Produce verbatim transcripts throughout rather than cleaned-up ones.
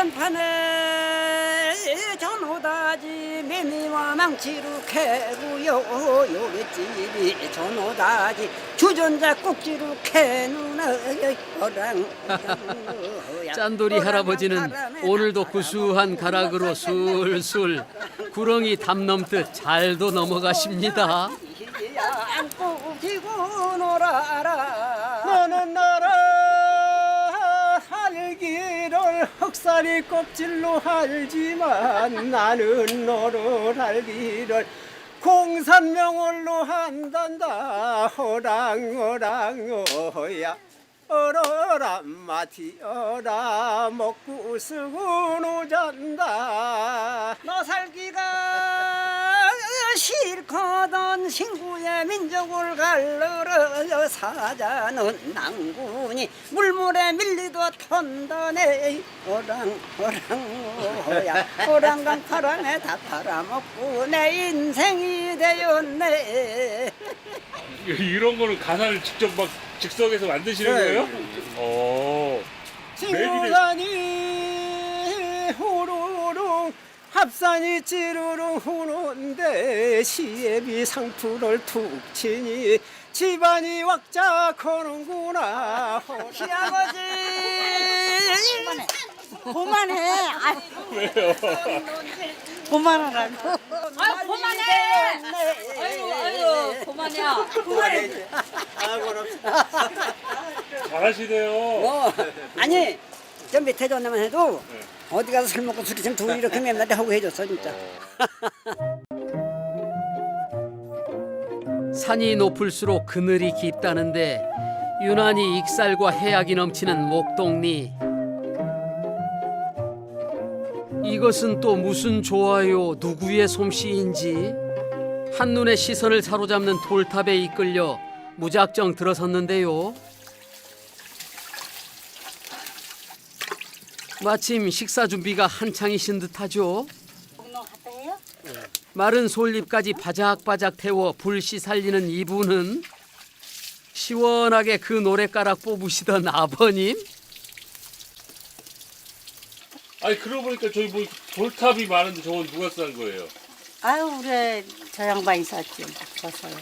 한정판에 전호다지 매미와 망치로 캐고요 요깃집이 전호다지 주전자 꼭지로 캐누나 어랑 짠돌이 할아버지는 오늘도 구수한 가락으로 술술 구렁이 담 넘듯 잘도 넘어가십니다. 안고 기고 놀아라 너는 나라 살기를 흑살이 껍질로 알지만 나는 너를 알기를 공산명월로 한단다 어랑 어랑 어야 어러라 마티어라 먹고 쓰고 노잔다 너 살기가 싫거든 신구의 민족을 갈르러 사자는 낭군이 물물에 밀리도 턴다네 오랑 오랑 오야 오랑강 파랑에 다 팔아먹고 내 인생이 되었네. 이런 거는 가사를 직접 막 즉석에서 만드시는 네. 거예요? 어. 친구산이 호로록 합산이 찌르릉 후는데 시애비 상투를 툭 치니 집안이 왁작하는구나 시아버지 그만해. 아, 왜요? 그만하라고. 아유 그만해. 아유 아유 그만해. 그만해. 잘하시네요. 어, 아니 저 밑에 전에만 해도 어디 가서 술 먹고 술이 좀 둘이 이렇게 맵나대 하고 해줬어 진짜. 산이 높을수록 그늘이 깊다는데 유난히 익살과 해악이 넘치는 목동리. 이것은 또 무슨 좋아요 누구의 솜씨인지 한눈에 시선을 사로잡는 돌탑에 이끌려 무작정 들어섰는데요. 마침 식사 준비가 한창이신 듯하죠. 마른 솔잎까지 바작바작 태워 불씨 살리는 이분은 시원하게 그 노랫가락 뽑으시던 아버님? 아니 그러고 보니까 저기 뭐 돌탑이 많은데 저건 누가 싼 거예요? 아유 우리 저 양반이 샀지 벗어요.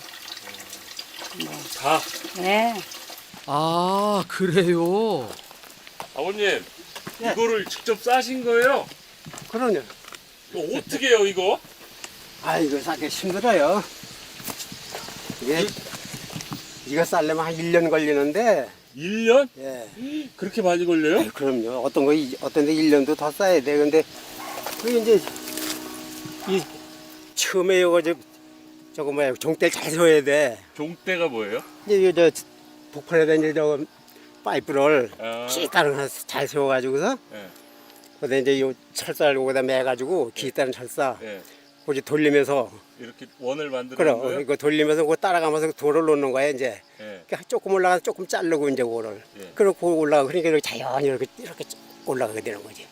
다. 네. 아 그래요? 아버님 이거를 직접 싸신 거예요? 그러냐 이거 어떻게 해요 이거? 아 이거 싸기 힘들어요 이게 이거 쌀려면 한 일 년 걸리는데 일 년? 예. 그렇게 많이 걸려요? 아이, 그럼요. 어떤 거, 이- 어떤 데 일 년도 더 쌓아야 돼. 근데, 그게 이제, 이, 처음에 요거, 저, 저거 뭐야, 종대를 잘 세워야 돼. 종대가 뭐예요? 이제, 이거 저, 북한에다 이제 저거, 파이프를, 아. 기타를 잘 세워가지고서, 예. 그다음에 이제 요 철사를 요거다 매가지고, 기타는 철사, 예. 그거 이제 돌리면서, 이렇게 원을 만드는 그래, 거예요? 이거 돌리면서 그거 따라가면서 돌을 놓는 거야, 이제. 예. 그러니까 조금 올라가서 조금 자르고, 이제 그거를. 예. 그렇고 올라가. 그러니까 이렇게 자연히 이렇게, 이렇게 올라가게 되는 거지.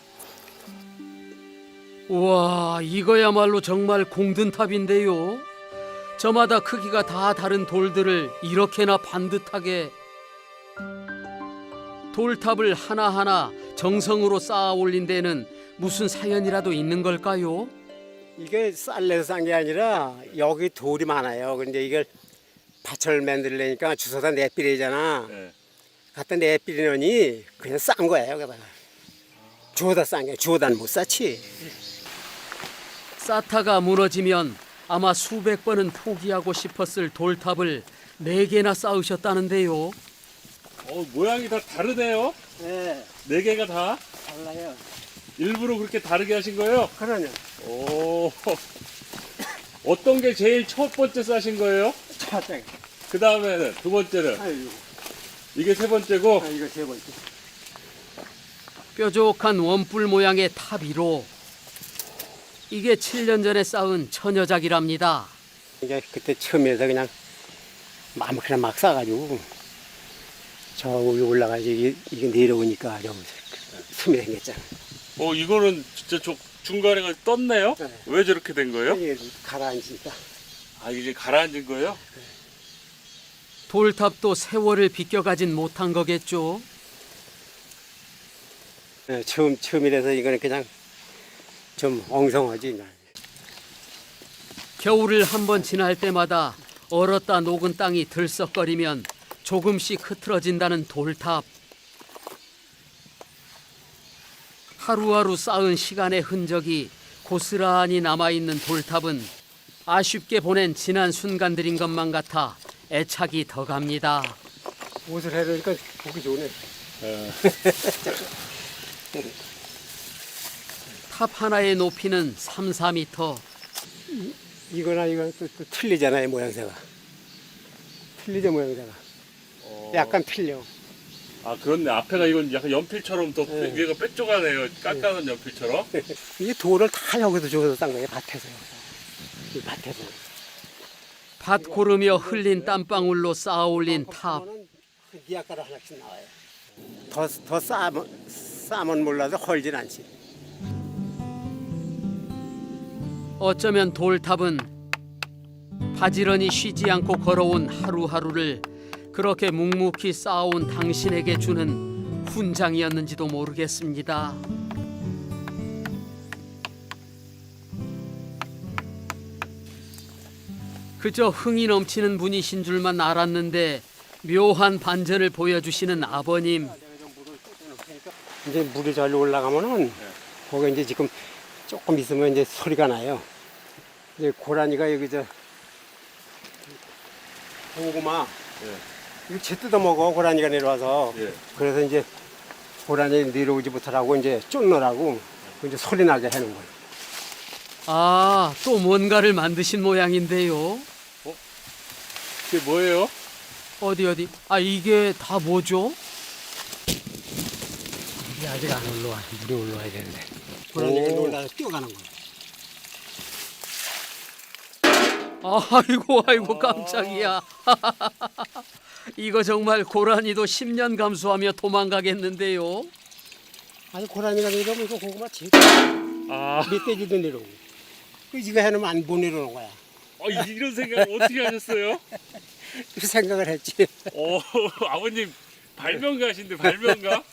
우와 이거야말로 정말 공든탑인데요. 저마다 크기가 다 다른 돌들을 이렇게나 반듯하게 돌탑을 하나하나 정성으로 쌓아 올린 데는 무슨 사연이라도 있는 걸까요? 이게 쌀내서 싼 게 아니라 여기 돌이 많아요. 근데 이걸 밭을 만들려니까 주워다 내비리잖아. 예. 갖다 내비리느니 그냥 싼 거예요. 여기다가 주워다 싼 게 주워다는 못 쌌지. 쌓다가 무너지면 아마 수백 번은 포기하고 싶었을 돌탑을 네 개나 쌓으셨다는데요. 어 모양이 다 다르네요. 네, 네 개가 다 달라요. 일부러 그렇게 다르게 하신 거예요? 그러냐. 오. 어떤 게 제일 첫 번째 싸신 거예요? 차장. 그 다음에는 두 번째는 아유, 이게 세 번째고 아, 이거 세 번째. 뾰족한 원뿔 모양의 탑 위로 이게 칠 년 전에 쌓은 처녀작이랍니다. 이제 그때 처음에서 그냥 마음껏 막 싸가지고 저 위에 올라가서 이게, 이게 내려오니까 좀 숨이 생겼잖아. 어 이거는 진짜 저 중간에 가 떴네요? 네. 왜 저렇게 된 거예요? 이게 가라앉으니까. 아 이게 가라앉은 거예요? 돌탑도 세월을 비껴가진 못한 거겠죠. 예, 처음 처음이라서 이거는 그냥 좀 엉성하지. 이제. 겨울을 한번 지날 때마다 얼었다 녹은 땅이 들썩거리면 조금씩 흐트러진다는 돌탑. 하루하루 쌓은 시간의 흔적이 고스란히 남아있는 돌탑은 아쉽게 보낸 지난 순간들인 것만 같아 애착이 더 갑니다. 옷을 해놓으니까 보기 좋네. 탑 하나의 높이는 삼, 사 미터. 이거나 이거 또, 또 틀리잖아요, 모양새가. 틀리죠, 모양새가. 약간 틀려. 아 그렇네. 앞에가 이건 약간 연필처럼 또 네. 위에가 뾰족하네요. 깎아놓은 연필처럼. 이 돌을 다 여기서 줘서 싼 거예요, 밭에서. 이 밭에서. 밭 고르며 흘린 땀방울로 쌓아 올린 탑. 니아가루 하나씩 나와요. 더, 더 싸면, 싸면 몰라도 헐진 않지. 어쩌면 돌탑은 바지런히 쉬지 않고 걸어온 하루하루를 그렇게 묵묵히 쌓아온 당신에게 주는 훈장이었는지도 모르겠습니다. 그저 흥이 넘치는 분이신 줄만 알았는데 묘한 반전을 보여주시는 아버님. 이제 물이 잘 올라가면은 거기 이제 지금 조금 있으면 이제 소리가 나요. 이제 고라니가 여기 저 고구마 이거 재 뜯어 먹어 고라니가 내려와서. 예. 그래서 이제 고라니 내려오지 못하라고 이제 쫓느라고 이제 소리 나게 하는 거예요. 아, 또 뭔가를 만드신 모양인데요. 이게 뭐예요? 어디 어디? 아, 이게 다 뭐죠? 이게 아직 안 올라와. 물이 올라와야 되는데. 고라니가 올라와서 뛰어가는 거예요. 아이고 아이고 깜짝이야. 이거 정말 고라니도 십 년 감수하며 도망가겠는데요. 아니 고라니가 내려오면 이거 고구마 제일 아, 멧돼지도 내려오고. 그 이거 해놓으면 안 보내려는 거야. 어, 이런 생각 어떻게 하셨어요? 그 생각을 했지. 어, 아버님 발명가신데 발명가?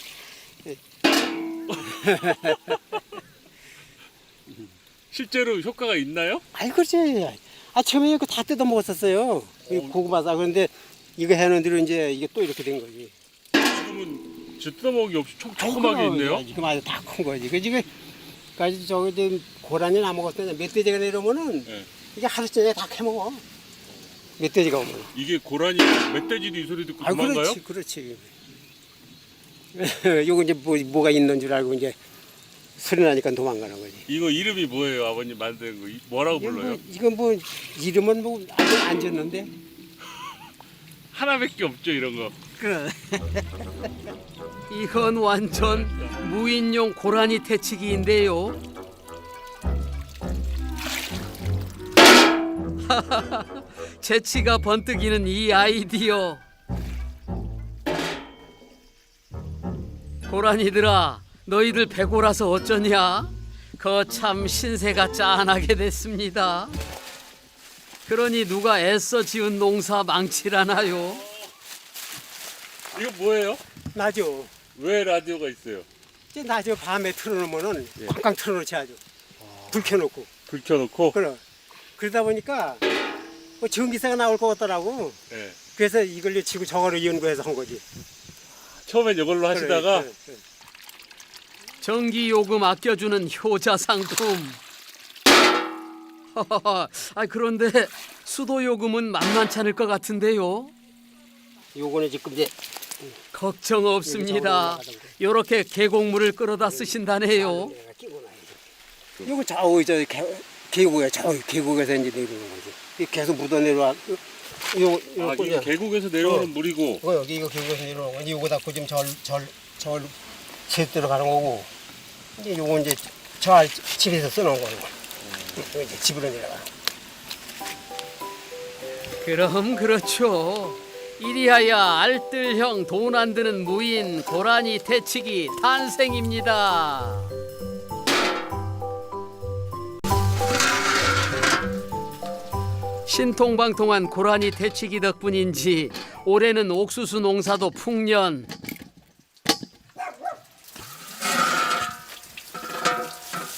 실제로 효과가 있나요? 아이 그렇지. 아 처음에 이거 다 뜯어 먹었었어요. 이 고구마 싸. 그런데 이거 해놓은 뒤로 이제 이게 또 이렇게 된 거지. 지금은 저 뜯어먹기 없이 촉촉하게 있네요. 지금 아주 다 큰 거지. 그 지금 까지 저기 지금 고라니 나 먹었을 때 멧돼지가 내려오면은 네. 이게 하루 종일 다 캐먹어. 멧돼지가 오면. 이게 고라니 멧돼지도 이 소리 듣고 아 도망가요? 그렇지, 그렇지. 요거 이제 뭐 뭐가 있는 줄 알고 이제 소리 나니까 도망가는 거지. 이거 이름이 뭐예요, 아버님 만든 거? 이- 뭐라고 이건 불러요? 뭐, 이건 뭐 이름은 뭐 아직 안 졌는데. 하나밖에 없죠, 이런 거. 그래. 이건 완전 무인용 고라니 퇴치기인데요. 재치가 번뜩이는 이 아이디어. 고라니들아, 너희들 배고라서 어쩌냐? 거참 신세가 짠하게 됐습니다. 그러니 누가 애써 지은 농사 망치라나요? 이거 뭐예요? 나죠. 왜 라디오가 있어요? 이제 나죠. 밤에 틀어놓으면은 꽝꽝 틀어놓지 아주. 불 켜놓고. 불 켜놓고. 그래. 그러다 보니까 뭐 전기세가 나올 것 같더라고. 네. 그래서 이걸로 치고 저거를 연구해서 한 거지. 처음엔 이걸로 하시다가 그래, 그래, 그래. 전기 요금 아껴주는 효자 상품. 아 그런데 수도 요금은 만만치 않을 것 같은데요. 요거는 지금 이제 걱정 없습니다. 요렇게 계곡물을 끌어다 쓰신다네요. 내가 끼고 나야지. 요거 저 저 계곡에 저 계곡에서 이제 내려오는 거지. 이게 계속 묻어 내려와. 요 아, 요 이거 계곡에서 내려오는 어. 물이고. 이거 여기 이거 계곡에서 내려오는 거지. 요거 닫고 지금 절절절 제대로 가는 거고. 이제 요거 이제 저 알 집에서 써놓은 거고. 이거 이제 집으로 내려가. 그럼 그렇죠. 이리하여 알뜰형 돈 안 드는 무인 고라니 퇴치기 탄생입니다. 신통방통한 고라니 퇴치기 덕분인지 올해는 옥수수 농사도 풍년.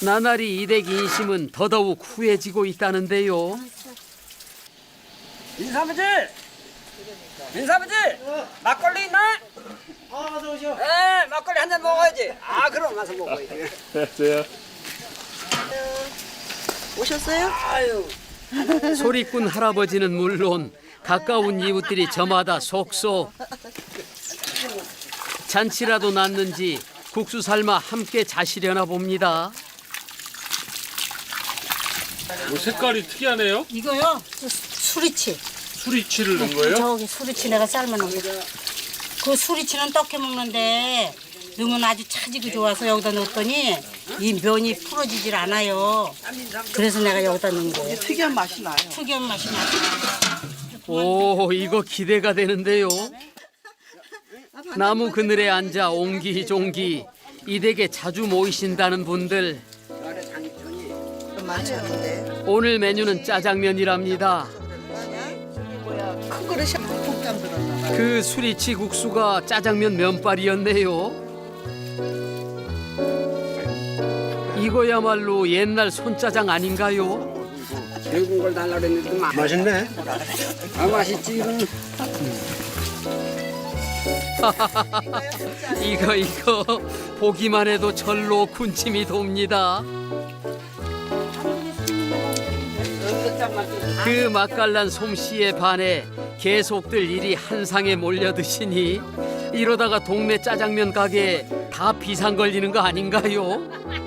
나날이 이댁 인심은 더더욱 후해지고 있다는데요. 민사아버지! 민사아버지! 막걸리 있나? 아, 어서 오셔. 에 막걸리 한 잔 먹어야지. 아 그럼 가서 먹어야지. 안녕하세요. 오셨어요? 아유. 소리꾼 할아버지는 물론 가까운 이웃들이 저마다 속속 잔치라도 났는지 국수 삶아 함께 자시려나 봅니다. 뭐 색깔이 특이하네요. 이거요? 수리치. 수리치를 넣은 거예요? 저기 수리치 내가 삶아놓은 거. 그 수리치는 떡해 먹는데 넣으면 아주 차지고 좋아서 여기다 넣었더니 이 면이 풀어지질 않아요. 그래서 내가 여기다 넣은 거예요. 특이한 맛이 나요. 특이한 맛이 나요. 오, 이거 기대가 되는데요. 나무 그늘에 앉아 옹기종기 이 댁에 자주 모이신다는 분들. 많지 않은데. 오늘 메뉴는 짜장면이랍니다. 큰 그릇이 폭탄 들었나 봐. 그 수리치 국수가 짜장면 면발이었네요. 이거야말로 옛날 손짜장 아닌가요? 배운 걸 달라 그랬는데 마- 맛있네. 아 맛있지 이건. 이거 이거 보기만 해도 절로 군침이 돕니다. 그 맛깔난 솜씨에 반해 계속들 일이 한 상에 몰려 드시니 이러다가 동네 짜장면 가게에 다 비상 걸리는 거 아닌가요?